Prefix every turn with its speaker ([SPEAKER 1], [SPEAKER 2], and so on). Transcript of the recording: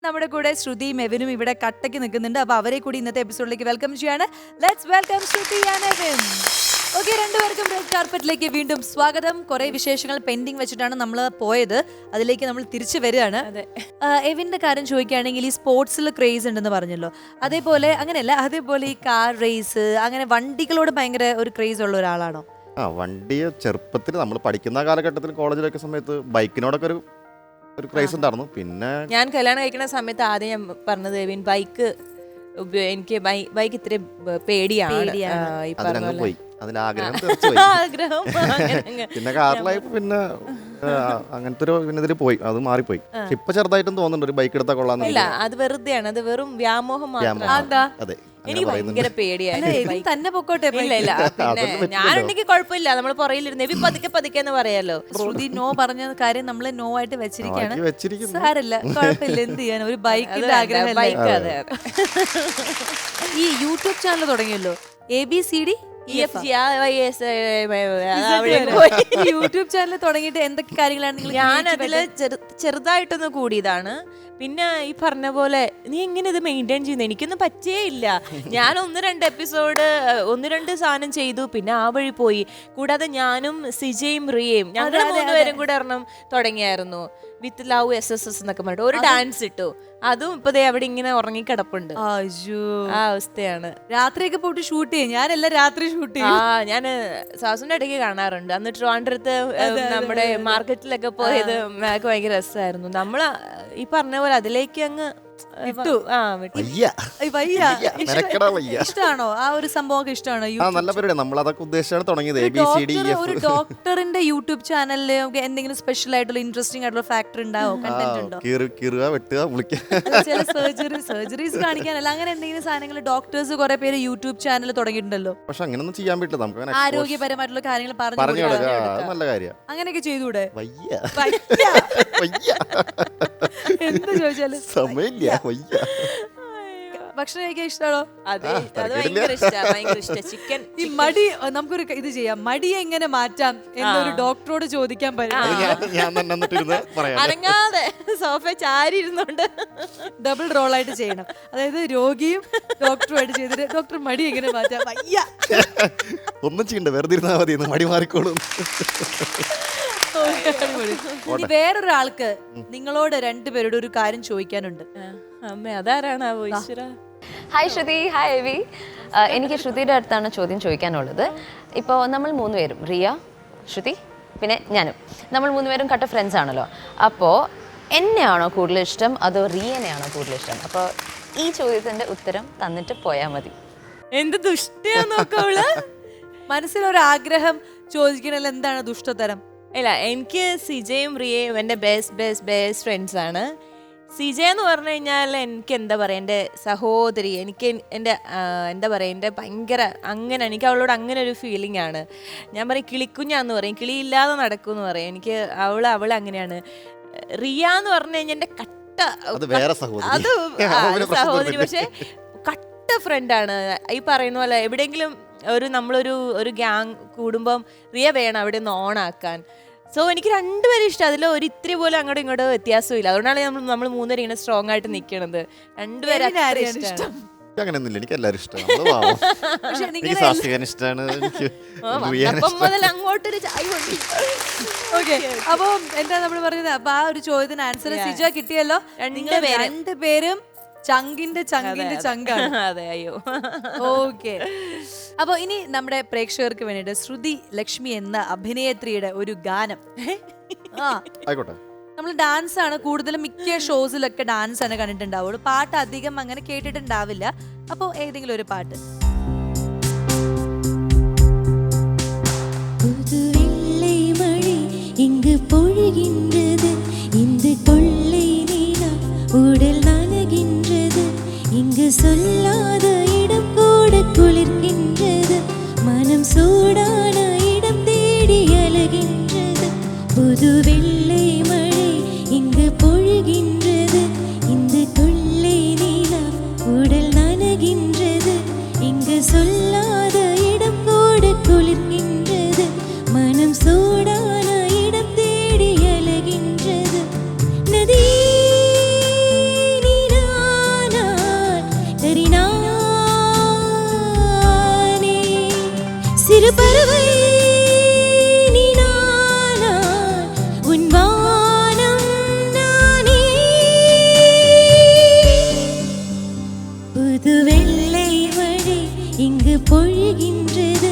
[SPEAKER 1] നമ്മുടെ കൂടെ ശ്രുതിയും എവിനും ഇവിടെ കട്ടയ്ക്ക് നിൽക്കുന്നുണ്ട്. അപ്പൊ അവരെ കൂടി ഇന്നത്തെ എപ്പിസോഡിലേക്ക് വെൽക്കം ചെയ്യാണ്. Let's welcome Shruti and Evin. Okay, രണ്ടുപേർക്കും റെഡ് കാർപ്പറ്റിലേക്ക് വീണ്ടും സ്വാഗതം. കുറെ വിശേഷങ്ങൾ പെൻഡിങ് വെച്ചിട്ടാണ് നമ്മൾ പോയത്, അതിലേക്ക് നമ്മൾ തിരിച്ചു വരികയാണ്. എവിന്റെ കാര്യം ചോദിക്കുകയാണെങ്കിൽ ഈ സ്പോർട്സിൽ ക്രേസ് ഉണ്ടെന്ന് പറഞ്ഞല്ലോ, അതേപോലെ അങ്ങനെയല്ല, അതേപോലെ ഈ കാർ റേസ് അങ്ങനെ വണ്ടികളോട് ഭയങ്കര ഒരു ക്രേസ് ഉള്ള ഒരാളാണോ?
[SPEAKER 2] വണ്ടി ചെറുപ്പത്തിൽ നമ്മൾ പഠിക്കുന്ന കാലഘട്ടത്തിൽ കോളേജിലൊക്കെ സമയത്ത് ബൈക്കിനോടൊക്കെ ഒരു ക്രൈസ് ഉണ്ടായിരുന്നു. പിന്നെ
[SPEAKER 3] ഞാൻ കല്യാണം കഴിക്കുന്ന സമയത്ത് ആദ്യം ഞാൻ പറഞ്ഞത് എവിൻ ബൈക്ക് എനിക്ക് ബൈക്ക് ഇത്തിരി പേടിയാണ്.
[SPEAKER 2] അതിനങ്ങ് പോയി, അതിന്റെ ആഗ്രഹം
[SPEAKER 3] ആഗ്രഹം
[SPEAKER 2] പിന്നെ കാറിലായപ്പോ പിന്നെ അങ്ങനത്തെ ഒരു പിന്നെ ഇതിൽ പോയി, അത് മാറിപ്പോയി. ഇപ്പൊ ചെറുതായിട്ടും തോന്നുന്നുണ്ട് ഒരു ബൈക്ക് എടുത്താൽ കൊള്ളാന്ന്.
[SPEAKER 3] ഇല്ല, അത് വെറുതെയാണ്, അത് വെറും വ്യാമോഹം മാത്രമാണ്.
[SPEAKER 2] അതെ,
[SPEAKER 3] എനിക്ക് ഭയങ്കര പേടിയായിരുന്നു.
[SPEAKER 1] തന്നെ പൊക്കോട്ടെ.
[SPEAKER 3] ഇല്ല ഇല്ല, പിന്നെ ഞാനുണ്ടെങ്കിൽ കുഴപ്പമില്ല, നമ്മൾ പുറയിലിരുന്ന് എവി പതുക്കെ പതുക്കെ എന്ന് പറയാലോ.
[SPEAKER 1] ശ്രുതി നോ പറഞ്ഞ കാര്യം നമ്മൾ നോ ആയിട്ട് വെച്ചിരിക്കുകയാണ്.
[SPEAKER 2] വെച്ചിരിക്കുന്നു.
[SPEAKER 1] സാരല്ല, കുഴപ്പമില്ല, എന്ത് ചെയ്യാൻ, ഒരു ബൈക്കിന്റെ ആഗ്രഹം.
[SPEAKER 3] ബൈക്ക്, അതെ
[SPEAKER 1] ഈ യൂട്യൂബ് ചാനൽ തുടങ്ങിയല്ലോ, ABCD യൂട്യൂബ് ചാനൽ തുടങ്ങിയിട്ട് എന്തൊക്കെ കാര്യങ്ങളാണ് നിങ്ങൾ?
[SPEAKER 3] ഞാൻ അതില് ചെറുതായിട്ടൊന്ന് കൂടിയതാണ്. പിന്നെ ഈ പറഞ്ഞ പോലെ നീ എങ്ങനെ ഇത് മെയിൻറ്റെയിൻ ചെയ്യുന്നത്? എനിക്കൊന്നും പറ്റേ ഇല്ല. ഞാൻ 1-2 എപ്പിസോഡ് 1-2 സാധനം ചെയ്തു, പിന്നെ ആ വഴി പോയി. കൂടാതെ ഞാനും സിജയും റിയയും ഞങ്ങൾ 3 പേരും കൂടെ ഒരെണ്ണം തുടങ്ങിയായിരുന്നു, വിത്ത് ലവ് SSS എന്നൊക്കെ പറഞ്ഞിട്ട് ഒരു ഡാൻസ് ഇട്ടു. അതും ഇപ്പൊ അവിടെ ഇങ്ങനെ ഉറങ്ങിക്കിടപ്പുണ്ട്. ആ അവസ്ഥയാണ്.
[SPEAKER 1] രാത്രിയൊക്കെ പോയിട്ട് ഷൂട്ട് ചെയ്യും. ഞാനെല്ലാം രാത്രി ഷൂട്ട് ചെയ്യും.
[SPEAKER 3] ഞാൻ സാസുന്റെ ഇടയ്ക്ക് കാണാറുണ്ട്. അന്ന് ട്രിവാൻഡ്രത്ത് നമ്മുടെ മാർക്കറ്റിലൊക്കെ പോയത് ഞങ്ങൾക്ക് ഭയങ്കര രസമായിരുന്നു. നമ്മൾ ഈ പറഞ്ഞ പോലെ അതിലേക്ക് അങ്ങ്
[SPEAKER 1] ഇട്ടു. ഇഷ്ടമാണോ ആ ഒരു സംഭവം? ഇഷ്ടമാണോ?
[SPEAKER 2] നല്ല പരിപാടി, നമ്മൾ അതൊക്കെ ഉദ്ദേശിച്ചാണ് തുടങ്ങിയത്.
[SPEAKER 1] ഒരു ഡോക്ടറിന്റെ യൂട്യൂബ് ചാനലില് എന്തെങ്കിലും സ്പെഷ്യൽ ആയിട്ടുള്ള ഇൻട്രസ്റ്റിംഗ് ആയിട്ടുള്ള ഫാക്ടർ ഉണ്ടാവോ? കണ്ടന്റ് ഉണ്ടോ? ചില സർജറീസ് കാണിക്കാനല്ല, അങ്ങനെ എന്തെങ്കിലും സാധനങ്ങൾ ഡോക്ടേഴ്സ് കുറെ പേര് യൂട്യൂബ് ചാനൽ തുടങ്ങിയിട്ടുണ്ടല്ലോ.
[SPEAKER 2] പക്ഷെ അങ്ങനെയൊന്നും ചെയ്യാൻ പറ്റില്ല, നമുക്ക്
[SPEAKER 1] ആരോഗ്യപരമായിട്ടുള്ള കാര്യങ്ങൾ പറഞ്ഞു
[SPEAKER 2] നല്ല കാര്യം
[SPEAKER 1] അങ്ങനെയൊക്കെ ചെയ്തൂടെ? എന്ത് ചോദിച്ചാലും
[SPEAKER 2] സമയമില്ല.
[SPEAKER 1] ഭക്ഷണം കഴിക്കാൻ ഇഷ്ടമാണോ? ഈ മടി നമുക്കൊരു ഇത് ചെയ്യാം, മടിയെ എങ്ങനെ മാറ്റാം എന്നൊരു ഡോക്ടറോട് ചോദിക്കാൻ
[SPEAKER 3] അനങ്ങാതെ സോഫ ചാരി ഇരുന്നോണ്ട്
[SPEAKER 1] ഡബിൾ റോൾ ആയിട്ട് ചെയ്യണം. അതായത് രോഗിയും ഡോക്ടറുമായിട്ട് ചെയ്തിട്ട് ഡോക്ടർ മടി എങ്ങനെ മാറ്റാം. വയ്യ,
[SPEAKER 2] ഒന്നും ചെയ്യണ്ട, വെറുതെ ഇരുന്നാ മതി, മടി മാറിക്കോളും.
[SPEAKER 1] ഇനി വേറൊരാൾക്ക് നിങ്ങളോട് രണ്ടുപേരോട് ഒരു കാര്യം ചോദിക്കാനുണ്ട്.
[SPEAKER 3] അമ്മ അതാരാണ്?
[SPEAKER 4] Hi Shruti, hi Evi. എനിക്ക് ശ്രുതിയുടെ അടുത്താണ് ചോദ്യം ചോദിക്കാനുള്ളത്. ഇപ്പോൾ നമ്മൾ 3 പേരും, റിയ, ശ്രുതി, പിന്നെ ഞാനും, നമ്മൾ 3 പേരും കട്ട ഫ്രണ്ട്സ് ആണല്ലോ. അപ്പോൾ എന്നെയാണോ കൂടുതൽ ഇഷ്ടം അതോ റിയനെയാണോ കൂടുതൽ ഇഷ്ടം? അപ്പോൾ ഈ ചോദ്യത്തിൻ്റെ ഉത്തരം തന്നിട്ട് പോയാൽ മതി.
[SPEAKER 3] എന്ത് ദുഷ്ടയാ നോക്കവള്.
[SPEAKER 1] മനസ്സിലൊരാഗ്രഹം ചോദിക്കണല്ലോ, എന്താണ് ദുഷ്ടതരം?
[SPEAKER 3] ഇല്ല, എനിക്ക് സിജയും റിയയും എൻ്റെ ബെസ്റ്റ് ഫ്രണ്ട്സ് ആണ്. സിജ എന്ന് പറഞ്ഞു കഴിഞ്ഞാൽ എനിക്ക് എന്താ പറയുക, എൻ്റെ സഹോദരി. എനിക്ക് എൻ്റെ എന്താ പറയുക, എൻ്റെ ഭയങ്കര അങ്ങനെ എനിക്ക് അവളോട് അങ്ങനെ ഒരു ഫീലിംഗ് ആണ്. ഞാൻ പറയും കിളിക്കുഞ്ഞാന്ന് പറയും, കിളിയില്ലാതെ നടക്കുമെന്ന് പറയും. എനിക്ക് അവൾ അങ്ങനെയാണ്. റിയ എന്ന് പറഞ്ഞു കഴിഞ്ഞാൽ എൻ്റെ കട്ട അത് സഹോദരി, പക്ഷെ കട്ട ഫ്രണ്ടാണ്. ഈ പറയുന്ന പോലെ എവിടെയെങ്കിലും നമ്മളൊരു ഗ്യാങ് കൂടുമ്പം റിയ വേണം അവിടെ ഒന്ന് ഓണാക്കാൻ. സോ എനിക്ക് രണ്ടുപേരും ഇഷ്ടം. അതിൽ ഒരു ഇത്തിരി പോലും അങ്ങോട്ടും ഇങ്ങോട്ടും വ്യത്യാസമില്ല. അതുകൊണ്ടാണ് നമ്മൾ 3 പേരും ഇങ്ങനെ സ്ട്രോങ് ആയിട്ട് നിൽക്കണത്. രണ്ടുപേരും ഇഷ്ടം.
[SPEAKER 2] അങ്ങനെയൊന്നുമില്ല, എനിക്ക് എല്ലാവരും ഇഷ്ടമാണ്.
[SPEAKER 3] മുതൽ അങ്ങോട്ടൊരു ചായ കൊണ്ടി.
[SPEAKER 1] ഓക്കെ, അപ്പൊ എന്താ നമ്മൾ പറഞ്ഞത്? അപ്പൊ ആ ഒരു ചോദ്യത്തിന് ആൻസർ സിജ കിട്ടിയല്ലോ. രണ്ടുപേരും ചങ്കിന്റെ ചങ്കാണ്.
[SPEAKER 3] അതെ, അയ്യോ.
[SPEAKER 1] ഓക്കെ, അപ്പൊ ഇനി നമ്മുടെ പ്രേക്ഷകർക്ക് വേണ്ടിട്ട് ശ്രുതി ലക്ഷ്മി എന്ന അഭിനേത്രിയുടെ ഒരു ഗാനം. നമ്മൾ ഡാൻസ് ആണ് കൂടുതലും, മിക്ക ഷോസിലൊക്കെ ഡാൻസ് ആണ് കണ്ടിട്ടുണ്ടാവുള്ളൂ, പാട്ട് അധികം അങ്ങനെ കേട്ടിട്ടുണ്ടാവില്ല. അപ്പൊ ഏതെങ്കിലും ഒരു പാട്ട്.
[SPEAKER 5] சொல்லாத இடம் கூட குளிர்கின்றது, மனம் சூடான இடம் தேடி அலைகின்றது. புது வெள்ளை மழை இங்கு பொழிகின்றது, இந்த கொள்ளை நிலா உடல் நனைகின்றது. இங்கு சொல்லாத இடம் கூட குளிர்கின்றது, மனம் சூடான இடம் தேடி அலைகின்றது. பறவை நீ நானாய், உன் வானம் நானே. புது வெள்ளை மழை இங்கு பொழிகின்றது,